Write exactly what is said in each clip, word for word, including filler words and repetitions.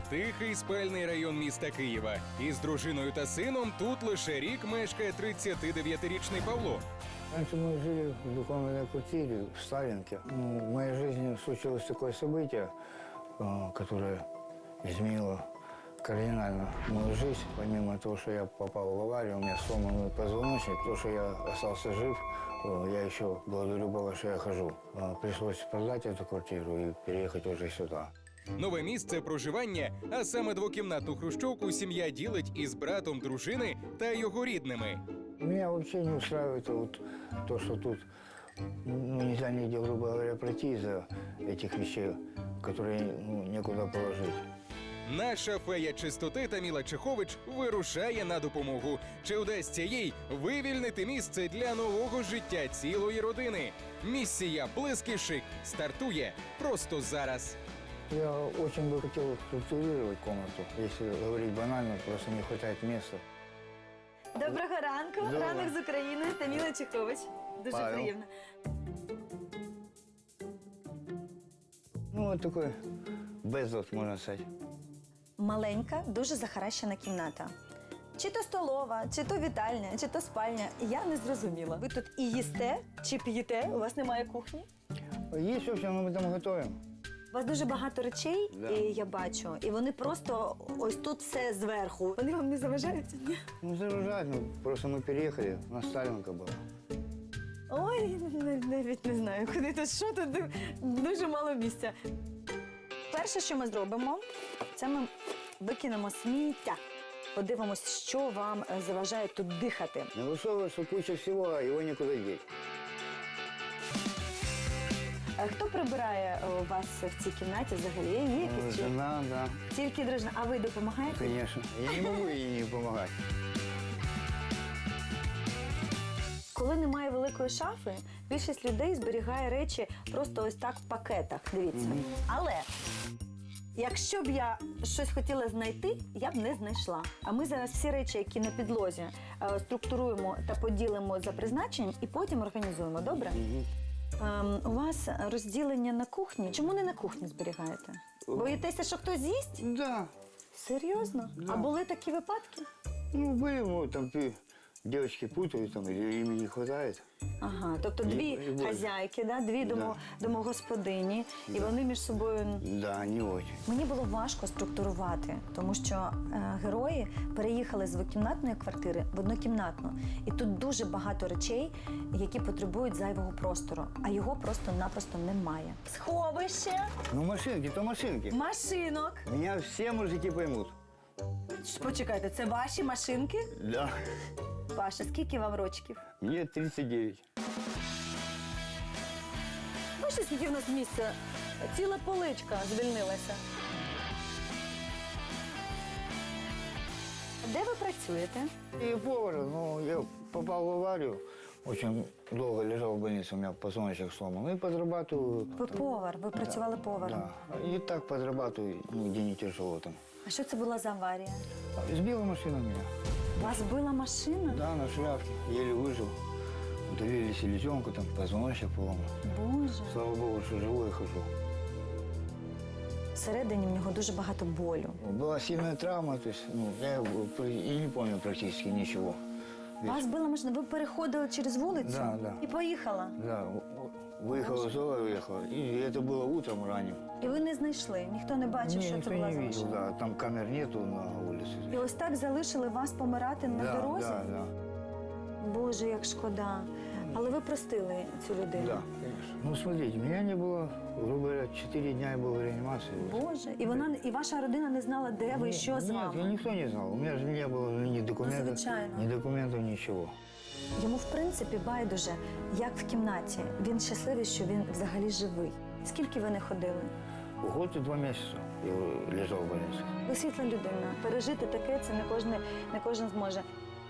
тихий спальний район міста Києва. Із дружиною та сином тут лише рік мешкає тридцятидев'ятирічний Павло. Раньше мы жили в двухкомнатной квартире в Сталинке. Ну, в моей жизни случилось такое событие, э, которое изменило кардинально мою жизнь. Помимо того, что я попал в аварию, у меня сломанный позвоночник, то, что я остался жив, э, я еще благодарю Бога, что я хожу. Э, Пришлось продать эту квартиру и переехать уже сюда. Нове місце проживання, а саме двокімнатну хрущовку, сім'я ділить із братом дружини та його рідними. Меня вообще не устраивает вот то, что тут ну, нельзя нигде, грубо говоря, пройти из-за этих вещей, которые ну, некуда положить. Наша фея чистоти Таміла Чехович вирушає на допомогу. Чи вдасться їй вивільнити місце для нового життя цілої родини? Місія «Блиск і шик» стартує просто зараз. Я очень бы хотел структурировать комнату. Если говорить банально, просто не хватает места. Доброго ранку, Доброго. ранок з України, Таміла Чехович. Дуже Павел. приємно. Ну, вот такой безлад, можно сказать. Маленька, дуже захаращена кімната. Чи то столова, чи то вітальня, чи то спальня. Я не зрозуміла. Ви тут і їсте, чи п'єте? У вас немає кухні? Есть все, но мы там готовим. У вас дуже багато речей, Да. і я бачу, і вони просто ось тут все зверху. Вони вам не заважають? Ні? Ну, загружать, ну, просто мы переехали, у нас Сталинка была. Ой, навіть, навіть не знаю, куди тут, що тут, дуже мало місця. Перше, що ми зробимо, це ми викинемо сміття. Подивимось, що вам е, заважає тут дихати. Не высовываешь, что куча всего, а его некуда деть. Е, Хто прибирає е, у вас в цій кімнаті взагалі? Є Ну, якісь чи- жена, да, Тільки дружина. А ви допомагаєте? конечно. Я не могу ей не помогать. Коли немає великої шафи, більшість людей зберігає речі просто ось так в пакетах. Дивіться. Але якщо б я щось хотіла знайти, я б не знайшла. А ми зараз всі речі, які на підлозі, е, структуруємо та поділимо за призначенням і потім організуємо. Добре? Ем, у вас розділення на кухні. Чому не на кухні зберігаєте? Боїтеся, що хтось з'їсть? Да. Серйозно? Да. А були такі випадки? Ну, были, ну, там ты, девочки путают, там, или им не хватает. Ага, тобто І- дві і боль. хазяйки, да? Дві домо, домогосподині, і вони між собою. Да, не очень. Мені було важко структурувати, тому що е, герої переїхали з двокімнатної квартири в однокімнатну. І тут дуже багато речей, які потребують зайвого простору, а його просто-напросто немає. Сховище, Ну, машинки, то машинки. машинок. Меня все мужики поймут. Почекайте, це ваші машинки? Да. Паша, скільки вам рочків? Мне тридцать девять. Бачите, скільки в нас місця? Ціла поличка звільнилася. Де ви працюєте? И повар, ну, я попал в аварию. Очень долго лежал в больнице, у меня позвоночник сломан. Ну и подрабатываю. Ви повар, ви працювали поваром. Да. И так подрабатываю, ну, где не тяжело там. А що це була за аварія? Сбила машина меня. Вас била машина? Да, на шляпке. Еле выжил. Удалили селезенку, там, позвоночник поломан. Боже. Слава Богу, что живой и хожу. Всередині в нього дуже багато болю. Была сильная травма, то есть, ну, я и не помню практически ничего. Вас била машина, ви переходили через вулицю Да, да. і поїхала. Да, выехала из дома, уехала. И это было утром ранним. І ви не знайшли, ніхто не бачив, Не, що никто це була не за видел, машина. да, там камер нету на улице. І ось так залишили вас помирати на Да, дорозі? да, да, Боже, як шкода. Але ви простили цю людину? да, конечно. Ну, смотрите, меня не было, грубо говоря, четыре дня я был в реанимации. Боже, і вона і ваша родина не знала, де ви, Нет, що з нет, вами? я никто не знал. У меня же не было ни документов, Ну, звичайно. ни документов, ничего. Йому, в принципі, байдуже, як в кімнаті. Він щасливий, що він взагалі живий. Скільки ви не ходили? Год и два месяца я лежал в больнице. Ви світла людина. Пережити таке це не кожен, не кожен зможе.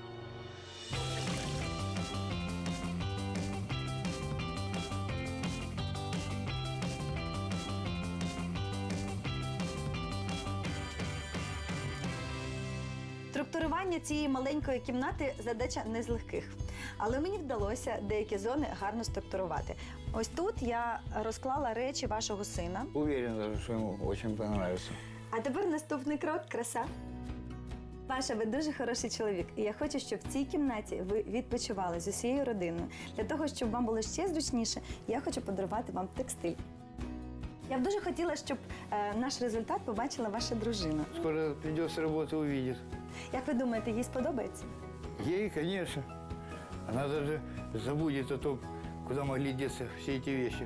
Структурування цієї маленької кімнати – задача не з легких. Але мені вдалося деякі зони гарно структурувати. Ось тут я розклала речі вашого сина. Уверен даже, что ему очень понравится. А тепер наступний крок – краса. Паша, ви дуже хороший чоловік, і я хочу, щоб в цій кімнаті ви відпочивали з усією родиною. Для того, щоб вам було ще зручніше, я хочу подарувати вам текстиль. Я б дуже хотіла, щоб е, наш результат побачила ваша дружина. Скоро придет с работы, увидит. Як ви думаєте, їй сподобається? Ей, конечно. Она даже забудет о том, куда могли деться все эти вещи.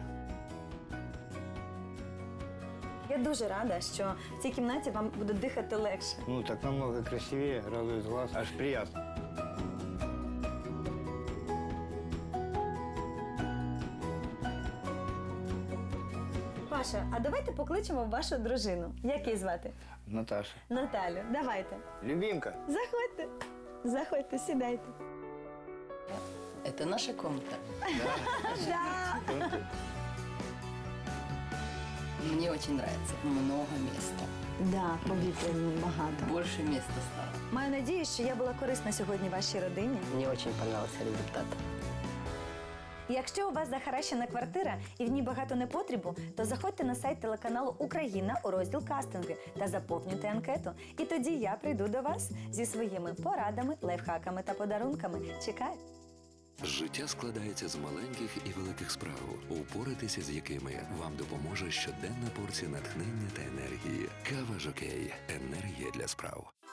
Я дуже рада, що в цій кімнаті вам буде дихати легше. Ну, так намного красивее, радует глаз, аж приятно. Паша, а давайте покличемо вашу дружину. Як її звати? Наташа. Наталю. Давайте. Любимка. Заходьте. Заходьте, сідайте. Это наша комната. Да. Мне очень нравится. Много места. Да, повітря багато. Больше места стало. Маю надію, що я була корисна сьогодні вашій родині. Мне очень понравился результат. Якщо у вас захаращена квартира і в ній багато непотрібу, то заходьте на сайт телеканалу Україна у розділ кастинги та заповнюйте анкету. І тоді я прийду до вас зі своїми порадами, лайфхаками та подарунками. Чекаю. Життя складається з маленьких і великих справ, упоратися з якими вам допоможе щоденна порція натхнення та енергії. Кава Жокей. Енергія для справ.